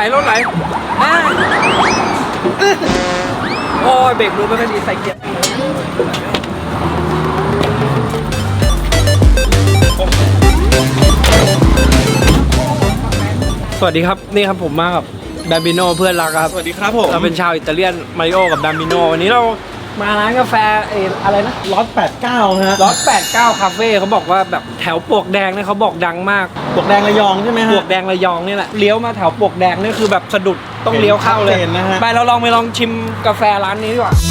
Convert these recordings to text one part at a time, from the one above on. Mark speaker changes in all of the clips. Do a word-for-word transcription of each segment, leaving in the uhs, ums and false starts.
Speaker 1: รถไหลโอ้ยเบรกมือไม่ค่อยดีใส่เกียร์สวัสดีครับนี่ครับผมมากับดัมบิโนเพื่อนรักครับ
Speaker 2: สวัสดีครับผม
Speaker 1: เราเป็นชาวอิตาเลียนมาริโอกับดัมบิโนวันนี้เรามาร้านกาแฟเออะไรนะ
Speaker 2: ล็อตแปดเก้าฮะ
Speaker 1: ล็อตแปดเก้าคาเฟ่เขาบอกว่าแบบแถวปลวกแดงเนี่ยเขาบอกดังมาก
Speaker 2: ปลวกแดงระยองใช่ไหมฮะ
Speaker 1: ปลวกแดงระยองนี่แหละเลี้ยวมาแถวปลวกแดงนี่คือแบบสะดุดต้องเลี้ยวเข้าเลยไปเราลองไปลองชิมกาแฟร้านนี้ดีกว่า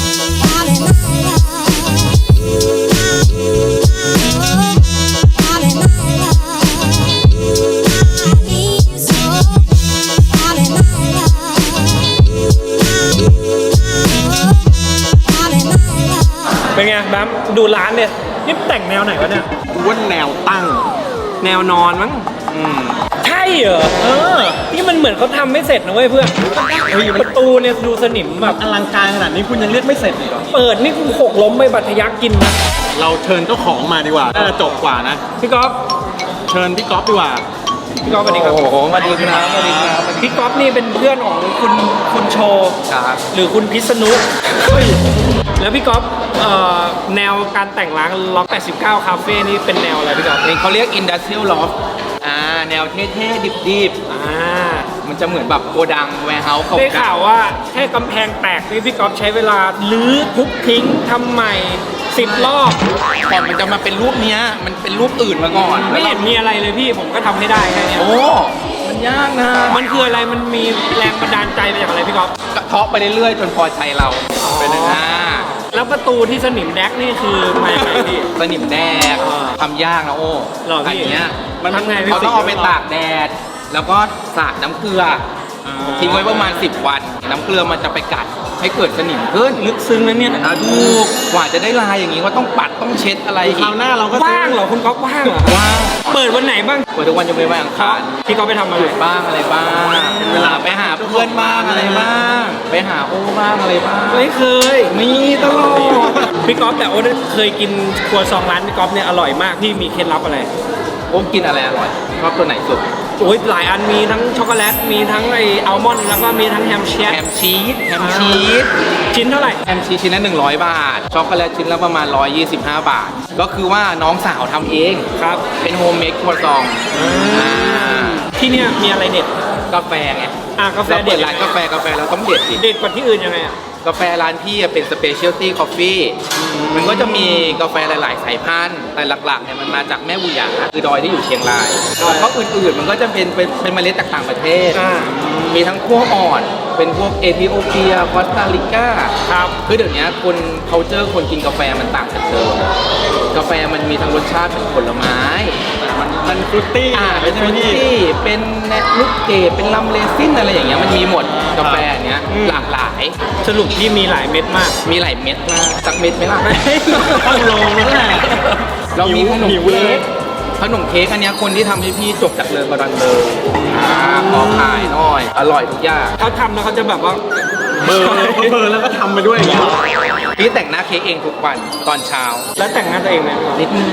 Speaker 1: เป็นไงแบมดูร้านเนี่ยนี่แต่งแนวไหนวะเนี่ย
Speaker 2: ว่าแนวตั้ง
Speaker 1: แนวนอนมั้งอืมใช่เหรอเออนี่มันเหมือนเขาทำไม่เสร็จนะเว้ยเพื่อนประตูเนี่ยดูสนิมแบบ
Speaker 2: อลังการขนาดนี้คุณยังเรียกไม่เสร็จอีกเหรอ
Speaker 1: เปิดนี่กูหกล้มไปบัตรทะยักกินนะ
Speaker 2: เราเชิญเจ้าของมาดีกว่าน่าจะจบกว่านะ
Speaker 1: พี่ก๊อฟ
Speaker 2: เชิญพี่ก๊อฟดีกว่า
Speaker 1: พี่ก๊อฟสวัสดีครับ
Speaker 2: โอ้โหสวัสดีครับสวัสดีครับ
Speaker 1: พี่ก๊อฟนี่เป็นเพื่อนของคุณคุณโชว์หรือคุณพิษณุแล้วพี่ก๊อฟแนวการแต่งร้านล็อกแปดสิบเก้าคาเฟ่นี่เป็นแนวอะไรพี่ก๊อฟ
Speaker 3: เขาเรียก Industrial Loft อ่าแนวเท่ๆดิบๆอ่ามันจะเหมือนแบบโกดังแวร์เฮาส์เขา
Speaker 1: ได้ข่าวว่าแค่กำแพงแตกนี่พี่ก๊อฟใช้เวลาลื้อทุบทิ้งทำใหม่สิบรอบ
Speaker 3: ก่อนมันจะมาเป็นรูปเนี้ยมันเป็นรูปอื่นมาก่อน
Speaker 1: ไม่เห็นมีอะไรเลยพี่ผมก็ทำให้ได้แค่นี้
Speaker 3: โอ้มันยากนะ
Speaker 1: มันคืออะไรมันมีแรงบันดาลใจมาจากอะไรพี่ก๊อฟ
Speaker 3: กระเทาะไปเรื่อยๆจนพอใจเราเป็นอย่างนั้น
Speaker 1: แล้วประตูที่สนิมแดกนี่คือมาอย่างไรพี่
Speaker 3: สนิมแดกทำยากนะโอ้
Speaker 1: อัน
Speaker 3: เนี้ย
Speaker 1: มันทำไง
Speaker 3: เขาต้องเอาไปตากแดดแล้วก็สาดน้ำเกลือทิ้งไว้ประมาณสิบวันน้ำเกลือมันจะไปกัดให้เกิดสนิมขึ้น
Speaker 1: ลึกซึ้งนะเนี่ย
Speaker 3: ถูกกว่าจะได้ลายอย่างนี้ว่าต้องปัดต้องเช็ดอะไรอีก
Speaker 2: คราวหน้าเราก็
Speaker 1: ว่างเหรอคุณก๊อฟว่างเหรอ
Speaker 3: ว่าง
Speaker 1: เปิดวันไหนบ้าง
Speaker 3: เปิดทุกวันจะไม่ว่างค่ะ
Speaker 1: พี่ก๊อฟไปทำอะไร
Speaker 3: บ้างอะไรบ้างเวลาไปหาเพื่อนบ้างอะไรบ้างไปหาโอ้บ้างอะไรบ้าง
Speaker 1: ไม่เคย
Speaker 3: มีตลอด
Speaker 1: พี่ก๊อฟแต่โอ้เคยกินครัวซองร้านพี่ก๊อฟเนี่ยอร่อยมากพี่มีเคล็ดลับอะไร
Speaker 3: โอ้กินอะไรอร่อยชอบตัวไหนสุด
Speaker 1: โอ้ยหลายอันมีทั้งช็อกโกแลตมีทั้งไออัลมอนด์แล้วก็มีทั้งแฮมชีส
Speaker 3: แฮมชีสแฮมชีส
Speaker 1: ชิ้นเท่าไหร่
Speaker 3: แฮมชีสชิ้นละหนึ่งร้อยบาทช็อกโกแลตชิ้นละประมาณหนึ่งร้อยยี่สิบห้าบาทก็คือว่าน้องสาวทำเอง
Speaker 1: ครับ
Speaker 3: เป็นโฮมเมดครัวซอง
Speaker 1: ที่เนี่ยมีอะไรเด็ด
Speaker 3: กาแฟไง
Speaker 1: อ่ากาแฟเด็ด
Speaker 3: ร้านกาแฟกาแฟเราต้องเด็ดสิ
Speaker 1: เด็ดกว่าที่อื่นยังไงอ่ะ
Speaker 3: กาแฟร้านพี่เป็นสเปเชียลตี้คอฟฟี่มันก็จะมีกาแฟหลายๆสายพันธุ์แต่หลักๆเนี่ยมันมาจากแม่บุหยาคือดอยที่อยู่เชียงรายเพราะอื่นๆมันก็จะเป็นเป็นเมล็ดจากต่างประเทศมีทั้งขั้วอ่อนเป็นพวกเอธิโอเปียคอสตาริกา
Speaker 1: ครับ
Speaker 3: คือเดี๋ยวนี้คน culture คนกินกาแฟมันต่างกันเดิมกาแฟมันมีทั้งรสชาติเป็นผลไม้
Speaker 2: มันมันฟรุตตี้
Speaker 3: อ่าเป็นฟรุตตี้เป็นลูกเกดเป็นลัมเลซินอะไรอย่างเงี้ยมันมีหมดกาแฟเนี้ยหลากหลาย
Speaker 1: สรุปที่มีหลายเม็ดมาก
Speaker 3: มีหลายเม็ดมากสักเม็ดไหมล่ะ
Speaker 1: ต้องลงแล้วแหละ
Speaker 3: เรามีขนมเค้กขนมเค้กอันนี้คนที่ทำให้พี่จบจากเรือนกระดังเลยพอขายหน่อยอร่อยทุกอย่าง
Speaker 1: เขาทำแล้วเขาจะแบบว่า
Speaker 2: เบอร์เบอร์แล้วก็ทำไปด้วยอย่างเงี้ย
Speaker 3: พี่แต่งหน้าเค้กเองทุกวันตอนเช้า
Speaker 1: แล้วแต่งหน้าตัวเองไหม
Speaker 3: นิดนึง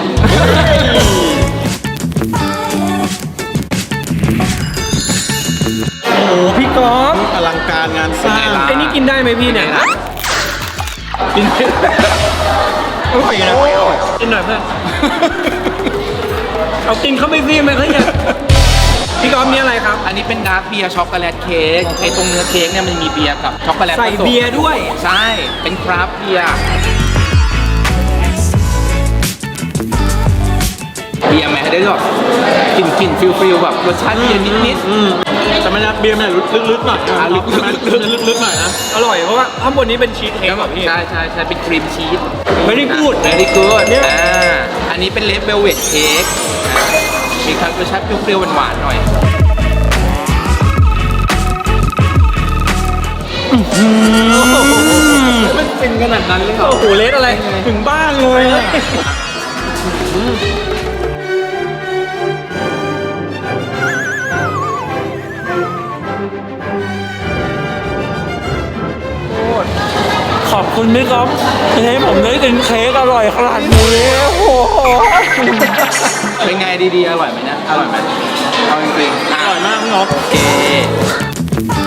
Speaker 1: โอ้โหพี่ก๊อฟ
Speaker 2: อลังการงานสร้าง
Speaker 1: ไอ้นี่กินได้ไหมพี่เนี่ยกินอร่อยนะกินหน่อยเพื่อนเอากินเข้าไปพี่ไหมเขาเนี่ยพี่ก๊อฟมีอะไรครับ
Speaker 3: อันนี้เป็นดาร์กเบียร์ช็อกโกแลตเค้กไอ้ตรงเนื้อเค้กเนี่ยมันมีเบียร์กับช็อกโกแลต
Speaker 1: ใส่เบียร์ด้วย
Speaker 3: ใช่เป็นคราฟต์เบียร์เบียร์แม้ได้หรอกกลิ่นกลิ่นฟิลฟิลแบบรสชาติเบียร์นิดนิด
Speaker 2: แต่ไม่นะเบียร์แม่ลึกๆหน่อย
Speaker 3: อ่ะลึก
Speaker 2: ๆลึกๆหน่อยนะ
Speaker 1: อร่อยเพราะว่าข้างบนนี้เป็นชีสเค้กแบบพี่
Speaker 3: ใช่ใช่ใช่เป็นครีมชีส
Speaker 1: ไม่ได้กูด
Speaker 3: ไม่ได้กูดอ่าอันนี้เป็นเลดเวลเวทเค้กมีทั้งรสชาติเปรี้ยวๆหวานๆหน่อยมันเป็นขนาดนั้นเลยเหรอ
Speaker 1: โอ้โหเลดอะไร
Speaker 2: ถึงบ้านเลย
Speaker 1: ขอบคุณพี่ก๊อฟที่ให้ผมได้กินเค้กอร่อยขนาดนี้โอ้โห
Speaker 3: เป็นไงดีๆอร่อยไหมนะอร่อยไหมเอาจริงๆ
Speaker 2: อร่อยมากพี่ก๊อฟ
Speaker 3: โอเค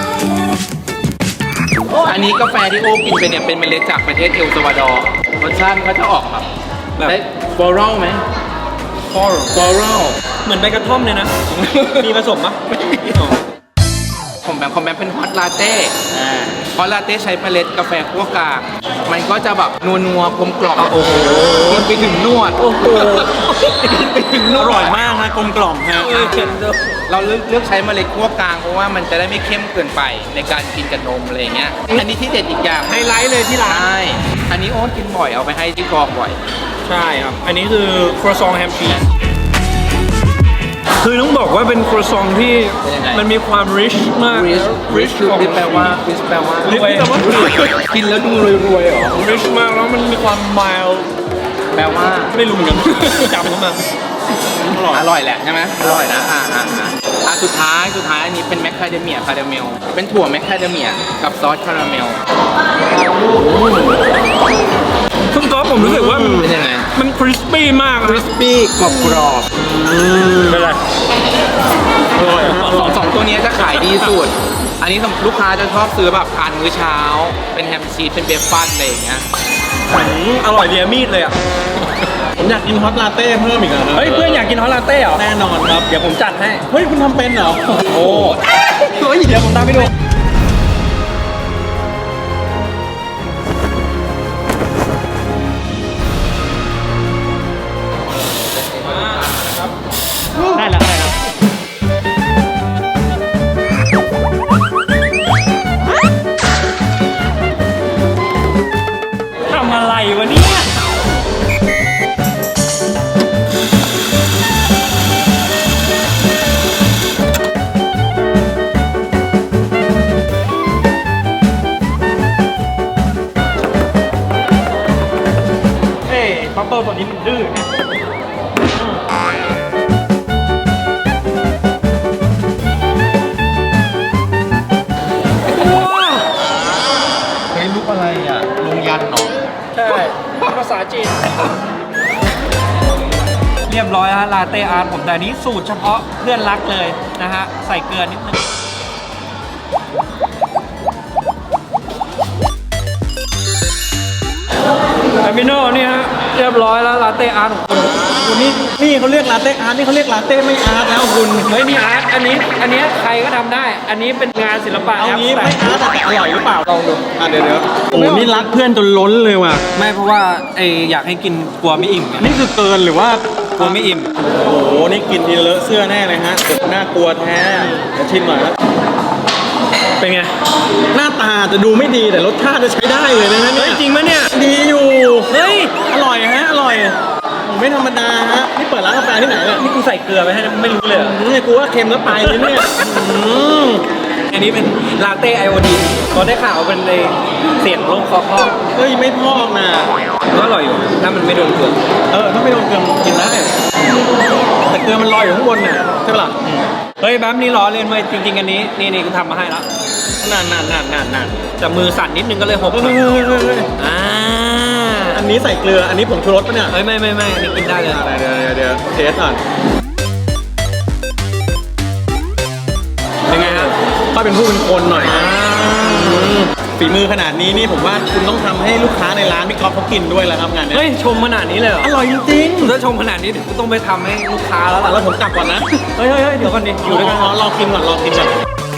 Speaker 3: อันนี้กาแฟที่โอ้กินไปเนี่ยเป็นเมล็ดจากประเทศเอลซัลวาดอร์รสชาติมันก็จะออกแบบ
Speaker 1: แบบ
Speaker 3: ได้ฟลอรัลไหม
Speaker 1: ฟอร์
Speaker 3: ฟลอรัล
Speaker 1: เหมือนใบกระท่อมเลยนะ มีผสมปะอ๋อ
Speaker 3: ผมแบบคอมแบเป็นฮอตลาเต้ฮอตลาเต้ใช้เมล็ดกาแฟคั่วกลางมันก็จะแบบนัวนัวๆกลมกล่อม
Speaker 1: โอ้โห
Speaker 3: กินไปถึงนวด
Speaker 1: โอ้โห
Speaker 3: กินไปถึงน
Speaker 2: อ
Speaker 3: วด
Speaker 2: ร่อยมากนะกลมกล่อมฮะ
Speaker 1: เออเค็มเด้อ
Speaker 3: เราเลือกเลือกใช้เมล็ดคั่วกลางเพราะว่ามันจะได้ไม่เข้มเกินไปในการกินกับนมอะไรอย่างเงี้ยอันนี้ที่เด็ดอีกอย่าง
Speaker 1: ไฮไลท์เลยที่ร้าน
Speaker 3: ใช่อันนี้โอ๊ตกินบ่อยเอาไปให้ที่กองบ่อย
Speaker 1: ใช่ครับ อันนี้คือครัวซองแฮมชีสคือต้องบอกว่าเป็นครัวซองที่
Speaker 3: เป็นยังไง
Speaker 1: มันมีความ rich มาก
Speaker 3: rich rich คือแปลว่า rich แปลว่า
Speaker 1: รวย
Speaker 3: กินแล้วดูรวยๆเหรอ
Speaker 1: rich มากแล้วมันมีความ mild
Speaker 3: แปลว่า
Speaker 1: ไม่รู้เหมือนกัน จำเข้ามา
Speaker 3: อร่อยแหละใช่ไหมอร่อยนะอ่าอ่าอ่าอ่ะสุดท้ายสุดท้ายอันนี้เป็นแมคคาเดเมียคาราเมลเป็นถั่วแมคคาเดเมียกับซอสคาราเมล
Speaker 1: คุณก๊อฟผมรู้สึกว่ามัน
Speaker 3: เป็นยังไง
Speaker 1: มัน crispy มาก
Speaker 3: คริสปี้กรอบกรอบ
Speaker 1: เป็นไร
Speaker 2: อร่อยฮะอ
Speaker 3: ส
Speaker 2: ร่
Speaker 3: อ
Speaker 2: อง ย
Speaker 3: สองตัวนี้จะขายดีสุด อันนี้ลูกค้าจะชอบซื้อแบบทานมื้อเช้า เป็นแฮมชีสเป็นเบฟฟันอะไรอย่างเงี้ย
Speaker 1: อืมอร่อยเรียมีดเลยอ่ะ
Speaker 2: ผมอยากกินฮอตลาเต้เพิ่มอีกอะนะ
Speaker 1: เฮ้ย เพื่อนอยากกินฮอลลาเต้เหรอ
Speaker 2: แน่นอนครับ
Speaker 1: เดี๋ยวผมจัดให้
Speaker 2: เฮ้ยคุณทำเป็นเหรอ
Speaker 1: โอ้เฮ้ยเดี๋ยวผมตามไปดู ได้แล้วได้แล้วทำอะไรวะเนี่ย เฮ้ยบับเบิ้ลตัวนี้มันดื้อนะ
Speaker 2: เฮ้ยลูกอะไรอ่ะลงยันเหรอ
Speaker 1: ใช่ภาษาจีน เรียบร้อยฮะลาเต้อาร์ตผมแต่อันนี้สูตรเฉพาะเพื่อนรักเลยนะฮะ ใส่เกลือนิดนึงแอมิโน่นี่ฮะ เรียบร้อยแล้วลาเต้อาร์ตของคุณ
Speaker 2: คุณนี่นี่เขาเรียกลาเต้อาร์ตนี่เขาเรียกลาเต้ไม่อาร์ตแล้วคุณ
Speaker 1: เฮ้ยนี่อาร์ตอันนี้ อันนี้ใครก็ทำได้ อันนี้เป็นงานศิลปะ
Speaker 2: เอา
Speaker 1: แอป
Speaker 2: งี้
Speaker 1: แต
Speaker 2: ไม่อาร์ตแต่อร่อยหรือเปล่า
Speaker 1: ลองดู
Speaker 2: อ่ะเดี๋ยวเดี๋ยวโอ้โหนี่รักเพื่อนจนล้นเลยว่ะ
Speaker 1: ไม่เพราะว่าไออยากให้กินกลัวไม่อิ่มไง
Speaker 2: นี่คือเกินหรือว่าก
Speaker 1: ลัวไม่อิ่ม
Speaker 2: โอ้โหนี่กินทีเลอะเสื้อแน่เลยฮะน่ากลัวแท้เดี๋ยวชิมหน่อยนะ
Speaker 1: เป็นไง
Speaker 2: หน้าตาจะดูไม่ดีแต่รสชาติจะใช้ได้เลยนะฮะ
Speaker 1: เฮ้
Speaker 2: เนี่ย ย
Speaker 1: จริงไหมเนี่ย
Speaker 2: ดีอยู่
Speaker 1: เฮ้ย
Speaker 2: อร่อยฮะอร่อยไม่ธรรมดาฮะนี่เปิดร้านกาแฟที่ไหนเนี่ย
Speaker 1: นี่กูใส่เกลือไปให้นะไม่รู้เลยเหรอ
Speaker 2: อืมกูว่าเค็มแล้วไปเลยเนี่ยอืม
Speaker 1: อันนี้เป็นลาเต้ไอโอดีนพอได้ข่าวเป็นในเสียงโล่งคอคอ
Speaker 2: เฮ้ยไม่พอกนะ
Speaker 1: ก็อร่อยอยู่ถ้ามันไม่โดนเกลือ
Speaker 2: เออถ้าไม่โดนเกลือมันกินได้แต่เกลือมันลอยอยู่ข้างบนเนี่ยใช่ปะล่ะ
Speaker 1: เฮ้ยแบ๊มนี่ล้อเล่นเว้ยจริง ๆ อันนี้นี่นี่กูทำมาให้แล้ว
Speaker 2: นานนานนานนานนาน
Speaker 1: แต่มือสั่นนิดนึงก็เลยหก
Speaker 2: เฮ้ยเฮ้ยเฮ้ยเฮ้ยเฮ้ย
Speaker 1: อ่า
Speaker 2: อันนี้ใส่เกลืออันนี้ผงชูรสปะเนี่ย
Speaker 1: เฮ้ยไม่ไม่ไม่อันนี้กินได้เลย
Speaker 2: อะไรเดี๋ยวเดี๋ยวเดี๋ยวเทสก่อน
Speaker 1: เป็นไงฮะ
Speaker 2: ก็เป็นผู้เป็นคนหน่อยอืมฝีมือขนาดนี้นี่ผมว่าคุณต้องทำให้ลูกค้าในร้านพี่ก๊อฟเขากินด้วยแล้วครับงานเนี้ย
Speaker 1: เฮ้ยชมขนาดนี้เลยเหรอ
Speaker 2: อร่อยจริง
Speaker 1: ถ้าชมขนาดนี้เดี๋ยวกูต้องไปทำให้ลูกค้าแล้ว
Speaker 2: ๆ
Speaker 1: ล่ะ
Speaker 2: แล้วผมกลับก่อนนะ
Speaker 1: เฮ้ยเฮ้ยเฮ้ยเดี๋ยวก่อนดิอยู่ด้วยกัน
Speaker 2: รอรอกินก่อนรอกินก่อน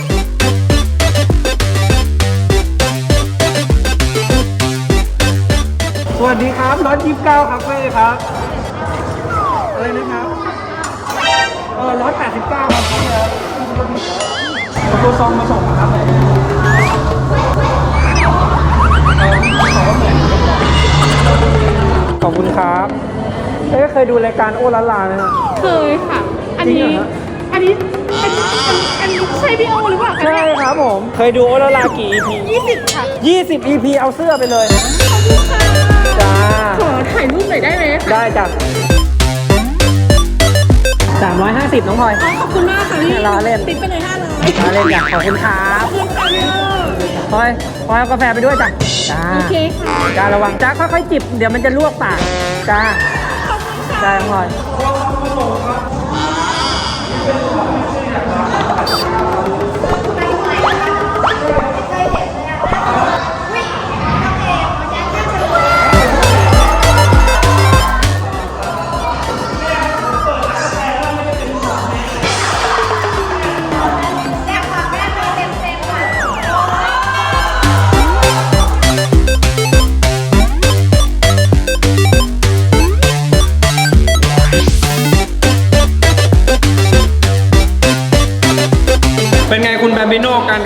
Speaker 1: สวัสดีครับร้อยยี่สิบเก้าคาเฟ่ครับอะไรนะครับเออร้อยแปดสิบเก้าครับพี่ครับเอาตัวซองมาส่งครับขอบคุณครับเอ๊ะเคยดูรายการโอลาลาไหมครับ
Speaker 4: เคยค่ะ อัน
Speaker 1: จริ
Speaker 4: นี้
Speaker 1: งเหรอฮะ
Speaker 4: อันนี้ อันนี้ อันอันนี้ใช่พี่โอหรือเปล่า
Speaker 1: ใช่ครับผม เคยดูโอลาลากี่ อี พี
Speaker 4: ยี่สิบค่ะ
Speaker 1: ยี่สิบ อี พี เอาเสื้อไปเลย
Speaker 4: ขอบคุณค่ะ
Speaker 1: จ้า
Speaker 4: ขอถ่ายรูปหน่อยได้ไหมคะ
Speaker 1: ได้จ้ะสามร้อยห้าสิบน้องพลอย
Speaker 4: อ๋อขอบคุณมากค่ะพี่
Speaker 1: ล้อเล่น
Speaker 4: ติ๊กไปเลยห้าร้อย
Speaker 1: มาเล่นจ้ะขอบคุณครั
Speaker 4: ข
Speaker 1: บ
Speaker 4: อบคุณค่ะพี่โอ
Speaker 1: พลอยพลอยเอากาแฟไปด้วยจ้ะจ้า
Speaker 4: โอเคค่ะ
Speaker 1: จ้าระวังจ้าค่อยๆจิบ เดี๋ยวมันจะลวกปากจ้า
Speaker 4: ขอบคุณค่ะ
Speaker 1: จ้าน้องพลอย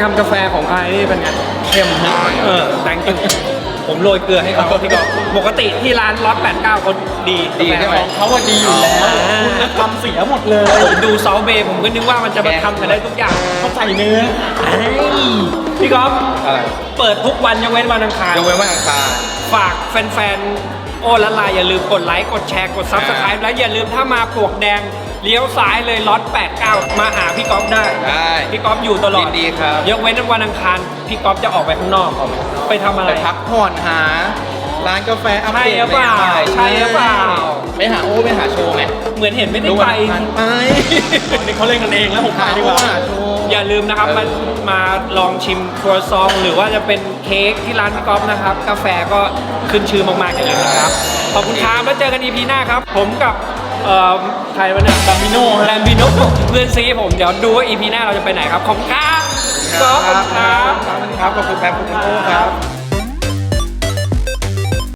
Speaker 1: ำกาแฟของไอนี่เป็นไง
Speaker 2: เข้มฮะ
Speaker 1: เออแตงกินผมโรยเกลือให้เขาพี่ก็ปกติที่ร้านร้อยแปดเก้าเขาดี
Speaker 3: ดีใช่ไหม
Speaker 2: ของเขาว่าดีอยู่แล้วคุณทำเสียหมดเลย
Speaker 1: ผมดูเซาเบย์ผมก็นึกว่ามันจะมาทำกันได้ทุกอย่าง
Speaker 2: เขาใส่เนื้อ
Speaker 1: พี่ก๊อฟ
Speaker 3: อะไร
Speaker 1: เปิดทุกวันยกเว้นวันอังคาร
Speaker 3: ยกเว้นวันอังคาร
Speaker 1: ฝากแฟนๆ โอ้ละลายอย่าลืมกดไลค์ กดแชร์ กด Subscribe แล้วอย่าลืมถ้ามาปลวกแดง เลี้ยวซ้ายเลยล็อตแปดเก้ามาหาพี่ก๊อฟได้
Speaker 3: ได้
Speaker 1: พี่ก๊อฟอยู่ตลอด
Speaker 3: ยินดีครับ
Speaker 1: ยกเว้นวันอังคาร พี่ก๊อฟจะออกไปข้างนอกไปทำอะไร
Speaker 3: ไปพักผ่อนหา ร้านกาแฟอัป
Speaker 1: ใช่
Speaker 3: เด
Speaker 1: หรื
Speaker 3: ต
Speaker 1: อเปล่า
Speaker 3: ใหม่ๆ
Speaker 1: ใช่หรือเปล่า
Speaker 3: ไปหาโอ้ไปหาโชว์ไหม
Speaker 1: เหมือนเห็นไม่ได้
Speaker 3: ดู
Speaker 1: ไป
Speaker 3: วันอังคารไป
Speaker 2: นี่เขาเล่นกันเองแล้วผมไป
Speaker 3: หา
Speaker 2: ดี
Speaker 3: โอ้
Speaker 2: กว่า
Speaker 3: หาโชว์
Speaker 1: อย่าลืมนะครับ
Speaker 3: เออ
Speaker 1: มามาลองชิมครัวซองหรือว่าจะเป็นเค้กที่ร้านพี่ก๊อฟนะครับ กาแฟก็ขึ้นชื่อมากๆอย่างเลยนะครับ ขอบคุณครับแล้วเจอกัน อี พี หน้าครับ ผมกับเอ่อใครวะเนี่ย
Speaker 2: ดัมบิโน่
Speaker 1: แลมบิโนเพื่อนซีผมเดี๋ยวดูว่า อี พี หน้าเราจะไปไหนครับ ขอบคุณครับ
Speaker 3: ครับ
Speaker 1: ขอบคุณครับ
Speaker 3: ครับขอบคุณแป๊บขอบคุณโอ้ครับ